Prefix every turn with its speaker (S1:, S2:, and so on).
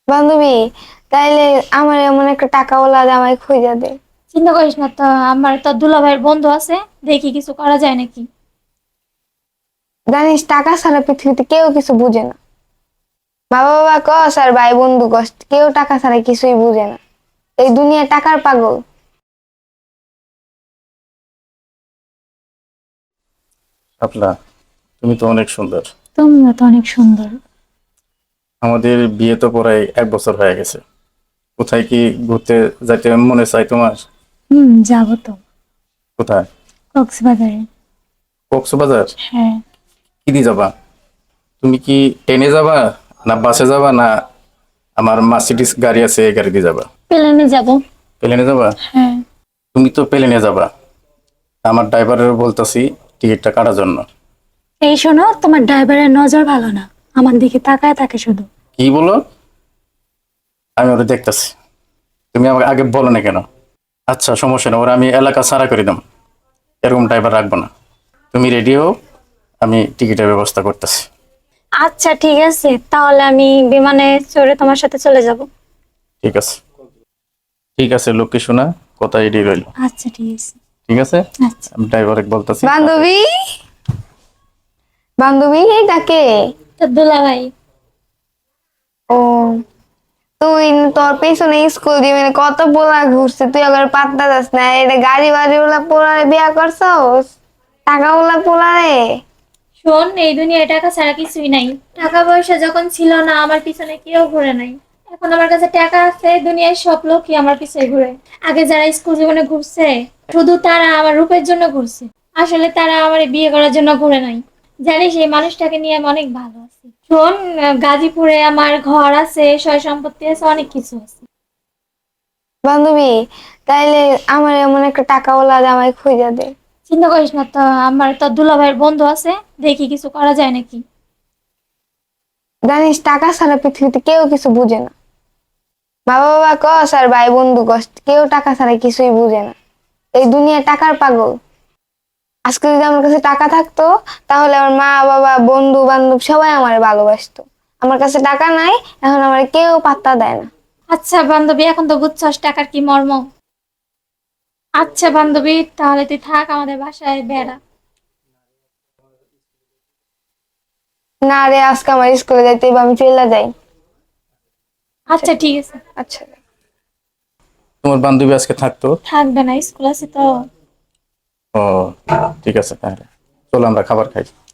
S1: বান্ধবী, তাইলে আমার এমন একটা টাকাওয়ালা জামাই খুঁজা দে।
S2: চিন্তা করিস না তো, আমার তো দুলাভাইয়ের বন্ধু আছে, দেখি কিছু করা যায় নাকি।
S1: জানিস, টাকা ছাড়া পৃথিবীতে কেউ কিছু বুঝে না। মা বাবা কস আর ভাই বন্ধু কস, কেউ টাকা ছাড়া কিছুই বুঝে না। এই দুনিয়া টাকার পাগল।
S3: শাপলা, তুমি তো অনেক সুন্দর।
S2: তুমিও তো অনেক সুন্দর।
S3: আমাদের বিয়ে তো প্রায় 1 বছর হয়ে গেছে। কোথায় কি ঘুরতে যাইতে মনে চাই তোমার?
S2: যাবো তো।
S3: কোথায়?
S2: কক্সবাজারে।
S3: কক্সবাজার?
S2: হ্যাঁ।
S3: কি দিয়ে যাবা? তুমি কি ট্রেনে যাবা, না বাসে যাবা, না আমার মার্সিডিস গাড়ি আছে এই গাড়ি দিয়ে যাবা?
S2: প্লেনে যাব।
S3: প্লেনে যাবা?
S2: হ্যাঁ।
S3: তুমি তো প্লেনে যাবা, আমার ড্রাইভারের বলতাছি টিকিটটা কাটার জন্য।
S2: এই শোনো, তোমার ড্রাইভারের নজর ভালো না, আমার দিকে তাকায় থাকে শুধু।
S3: কি বলো? আমি ওটা দেখতাছি। তুমি আমাকে আগে বলো না কেন? আচ্ছা, সমস্যা না, ওরা আমি এলাকা ছাড়া করে দাম, এরকম ড্রাইভার রাখবো না। তুমি রেডি হও, আমি টিকিটের ব্যবস্থা করতেছি।
S2: আচ্ছা ঠিক আছে, তাহলে আমি বিমানে চড়ে তোমার সাথে চলে যাব।
S3: ঠিক আছে, ঠিক আছে লক্ষ্মী শোনা, কথা রেডি রইল।
S2: আচ্ছা ঠিক আছে।
S3: ঠিক আছে,
S2: আচ্ছা।
S3: আমি ড্রাইভারে বলতেছি।
S1: বান্ধবী, বান্ধবী ডাকে।
S2: তো দুলাভাই।
S1: ও, তুই তোর পেছনে স্কুল দিবি কত পোলা ঘুরছে, তুই আবার পাত্তা যাস না। এটা গাড়ি বাড়ি ওলা পোলারে বিয়া করছস, টাকা ওলা পোলারে।
S2: শোন, এই দুনিয়ায় টাকা ছাড়া কিছুই নাই। টাকা পয়সা যখন ছিল না, আমার পিছনে কেউ ঘুরে নাই। এখন আমার কাছে টাকা আছে, দুনিয়ার সব লোকই আমার পিছনে ঘুরে। আগে যারা স্কুল জীবনে ঘুরছে, শুধু তারা আমার রূপের জন্য ঘুরছে। আসলে তারা আমার বিয়ে করার জন্য ঘুরে নাই। জানিস, এই মানুষটাকে নিয়ে আমি অনেক ভালো আছি। শোন, গাজীপুরে আমার ঘর আছে, সয় সম্পত্তি আছে, অনেক কিছু আছে।
S1: বান্ধবী, তাইলে আমার এমন একটা টাকাওয়ালা জামাই খুঁজা দে।
S2: চিন্তা করিস না তো, আমার তো দুলাভাইয়ের বন্ধু আছে, দেখি কিছু করা যায় নাকি।
S1: জানিস, টাকা ছাড়া পৃথিবীতে কেউ কিছু বুঝে না। মা বাবা কস আর ভাই বন্ধু কস, কেউ টাকা ছাড়া কিছুই বুঝে না। এই দুনিয়া টাকার পাগল। আজকে যদি আমার কাছে টাকা থাকতো, তাহলে আমার মা বাবা বন্ধু বান্ধব সবাই আমার ভালোবাসতো। আমার কাছে টাকা নাই, এখন আমার কেউ পাত্তা দেয় না।
S2: আচ্ছা বান্ধবী, এখন তো বুঝছস টাকার কি মর্ম। আচ্ছা বান্ধবী, তাহলে তুই থাক আমাদের বাসায় বেড়া।
S1: না রে, আজকে আমার স্কুলে যাইতে হবে, আমি চলে যাই।
S2: আচ্ছা ঠিক আছে।
S1: আচ্ছা।
S3: তোমার বান্ধবী আজকে থাকতো?
S2: থাকবে না, স্কুল আছে তো।
S3: ও, ঠিক আছে, তাহলে চলো আমরা খাবার খাই।